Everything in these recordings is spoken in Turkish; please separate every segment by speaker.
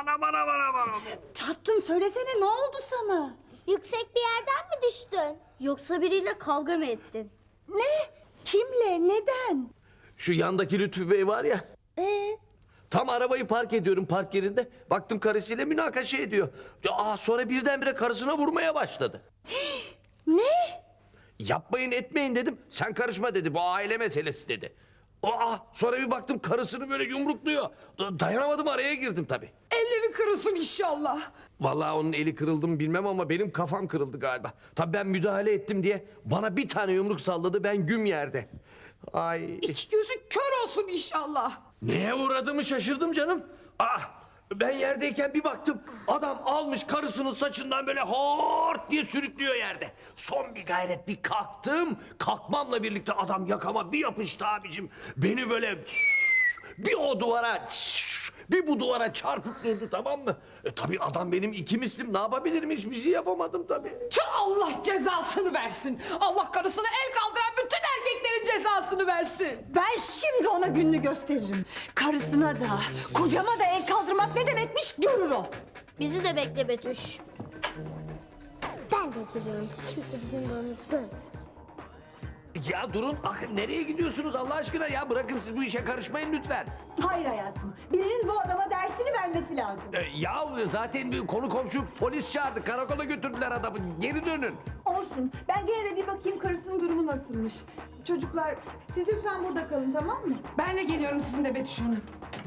Speaker 1: Anam anam anam anam.
Speaker 2: Tatlım söylesene, ne oldu sana?
Speaker 3: Yüksek bir yerden mi düştün? Yoksa biriyle kavga mı ettin?
Speaker 2: Ne? Kimle? Neden?
Speaker 1: Şu yandaki Lütfü Bey var ya. Tam arabayı park ediyorum park yerinde. Baktım karısıyla münakaşa ediyor. Sonra birdenbire karısına vurmaya başladı.
Speaker 2: Ne?
Speaker 1: Yapmayın etmeyin dedim. Sen karışma dedi. Bu aile meselesi dedi. Sonra bir baktım karısını böyle yumrukluyor. Dayanamadım, araya girdim tabii.
Speaker 4: Elleri kırılsın inşallah.
Speaker 1: Vallahi onun eli kırıldı mı bilmem ama benim kafam kırıldı galiba. Tabii ben müdahale ettim diye bana bir tane yumruk salladı, ben güm yerde. Ay.
Speaker 4: İki gözü kör olsun inşallah.
Speaker 1: Neye uğradığımı şaşırdım canım. Ben yerdeyken bir baktım adam almış karısının saçından böyle hort diye sürüklüyor yerde. Son bir gayret bir kalktım. Kalkmamla birlikte adam yakama bir yapıştı abicim. Beni böyle bir o duvara bir bu duvara çarpıp durdu, tamam mı? Tabii adam benim iki mislim, ne yapabilirim, hiçbir şey yapamadım tabii.
Speaker 4: Tüh, Allah cezasını versin. Allah karısına el kaldıran bütün erkeklerin cezasını versin.
Speaker 2: Ben şimdi ona gününü gösteririm. Karısına da, kocama da el kaldırmak ne demekmiş görür o.
Speaker 3: Bizi de bekle Betüş. Ben de geliyorum. Kimse bizim yolumuzu dönmez.
Speaker 1: Ya durun, nereye gidiyorsunuz Allah aşkına ya? Bırakın, siz bu işe karışmayın lütfen.
Speaker 2: Hayır hayatım, birinin bu adama dersini vermesi lazım.
Speaker 1: Ya zaten bir konu komşu polis çağırdı, karakola götürdüler adamı, geri dönün.
Speaker 2: Olsun, ben gene de bir bakayım karısının durumu nasılmış. Çocuklar, siz lütfen burada kalın, tamam mı?
Speaker 4: Ben de geliyorum sizinle Betüş Hanım.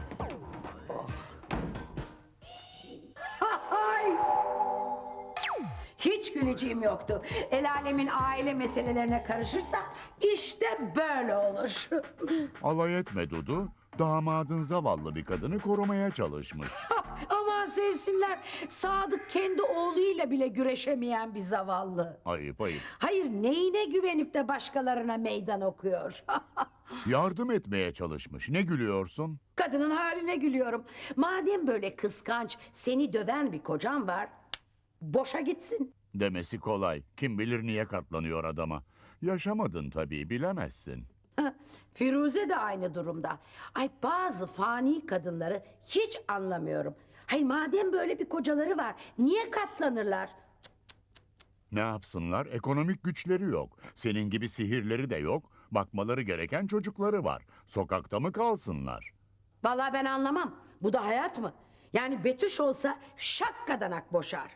Speaker 5: Hiç güleceğim yoktu. El alemin aile meselelerine karışırsa işte böyle olur.
Speaker 6: Alay etme Dudu. Damadın zavallı bir kadını korumaya çalışmış.
Speaker 5: Aman sevsinler. Sadık kendi oğluyla bile güreşemeyen bir zavallı.
Speaker 6: Ayıp ayıp.
Speaker 5: Hayır, neyine güvenip de başkalarına meydan okuyor?
Speaker 6: Yardım etmeye çalışmış. Ne gülüyorsun?
Speaker 5: Kadının haline gülüyorum. Madem böyle kıskanç, seni döven bir kocan var, boşa gitsin.
Speaker 6: Demesi kolay. Kim bilir niye katlanıyor adama. Yaşamadın tabii, bilemezsin.
Speaker 5: Firuze de aynı durumda. Ay, bazı fani kadınları hiç anlamıyorum. Hayır, madem böyle bir kocaları var, niye katlanırlar?
Speaker 6: Ne yapsınlar? Ekonomik güçleri yok. Senin gibi sihirleri de yok. Bakmaları gereken çocukları var. Sokakta mı kalsınlar?
Speaker 5: Vallahi ben anlamam. Bu da hayat mı? Yani Betüş olsa şakkadanak boşar.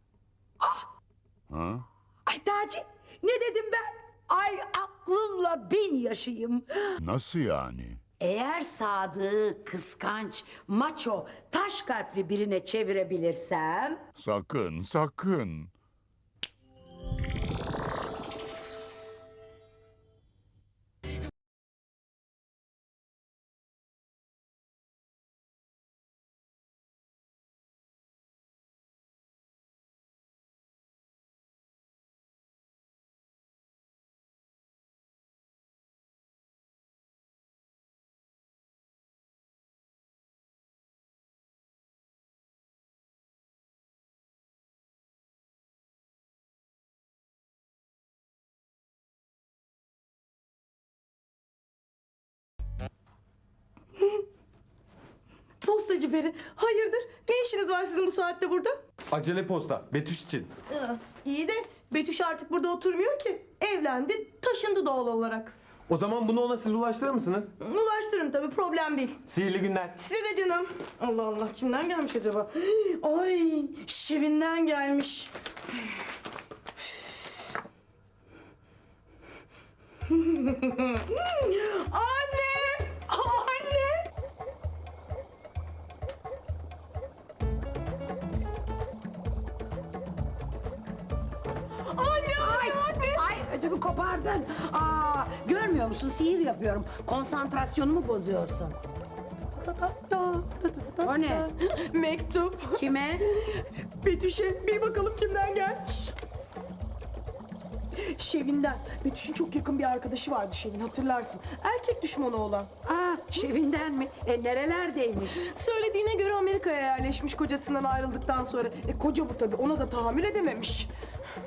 Speaker 6: Ha?
Speaker 5: Ay Taci, ne dedim ben? Ay, aklımla bin yaşayayım.
Speaker 6: Nasıl yani?
Speaker 5: Eğer Sadık'ı kıskanç, maço, taş kalpli birine çevirebilirsem...
Speaker 6: Sakın, sakın.
Speaker 7: Postacı Peri, hayırdır? Ne işiniz var sizin bu saatte burada?
Speaker 8: Acele posta, Betüş için.
Speaker 7: İyi de Betüş artık burada oturmuyor ki. Evlendi, taşındı doğal olarak.
Speaker 8: O zaman bunu ona siz ulaştırır mısınız?
Speaker 7: Ulaştırırım tabii, problem değil.
Speaker 8: Sihirli günler.
Speaker 7: Size de canım. Allah Allah, kimden gelmiş acaba? Ay, Şevin'den gelmiş. Anne! Anne!
Speaker 5: Ay, ödümü kopardın. Görmüyor musun? Sihir yapıyorum. Konsantrasyonumu bozuyorsun. O ne?
Speaker 7: Mektup.
Speaker 5: Kime?
Speaker 7: Betüş'e bir bakalım kimden gelmiş. Şevin'den. Betüş'ün çok yakın bir arkadaşı vardı Şevin, hatırlarsın. Erkek düşmanı olan.
Speaker 5: Şevin'den mi? Nerelerdeymiş?
Speaker 7: Söylediğine göre Amerika'ya yerleşmiş kocasından ayrıldıktan sonra. Koca bu tabii, ona da tahammül edememiş.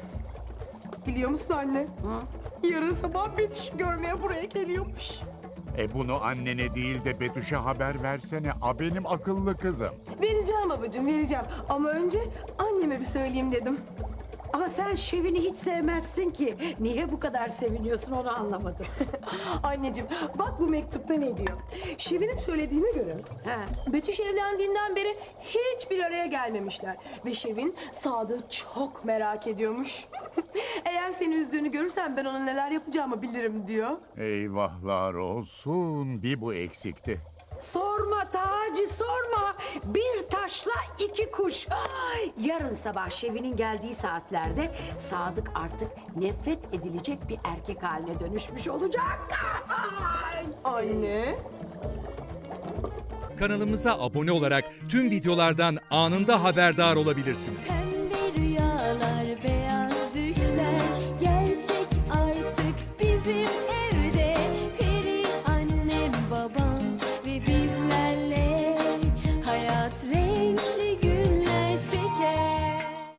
Speaker 7: Biliyor musun anne? Yarın sabah Betüş'ü görmeye buraya geliyormuş.
Speaker 6: Bunu annene değil de Betüş'e haber versene. Benim akıllı kızım.
Speaker 7: Vereceğim babacığım, vereceğim. Ama önce anneme bir söyleyeyim dedim.
Speaker 5: Ama sen Şevin'i hiç sevmezsin ki. Niye bu kadar seviniyorsun onu anlamadım.
Speaker 7: Anneciğim, bak bu mektupta ne diyor? Şevin'in söylediğine göre
Speaker 5: He.
Speaker 7: Betüş evlendiğinden beri hiçbir araya gelmemişler. Ve Şevin Sadık'ı çok merak ediyormuş. Eğer seni üzdüğünü görürsem ben ona neler yapacağımı bilirim diyor.
Speaker 6: Eyvahlar olsun. Bir bu eksikti.
Speaker 5: Sorma Taci sorma. Bir taşla iki kuş. Ay, yarın sabah Şevin'in geldiği saatlerde Sadık artık nefret edilecek bir erkek haline dönüşmüş olacak. Ay.
Speaker 7: Anne.
Speaker 9: Kanalımıza abone olarak tüm videolardan anında haberdar olabilirsiniz.
Speaker 10: Pembe rüyalar, beyaz düşler gerçek artık bizim evde. Peri annem, babam ve bizlerle hayat renkli.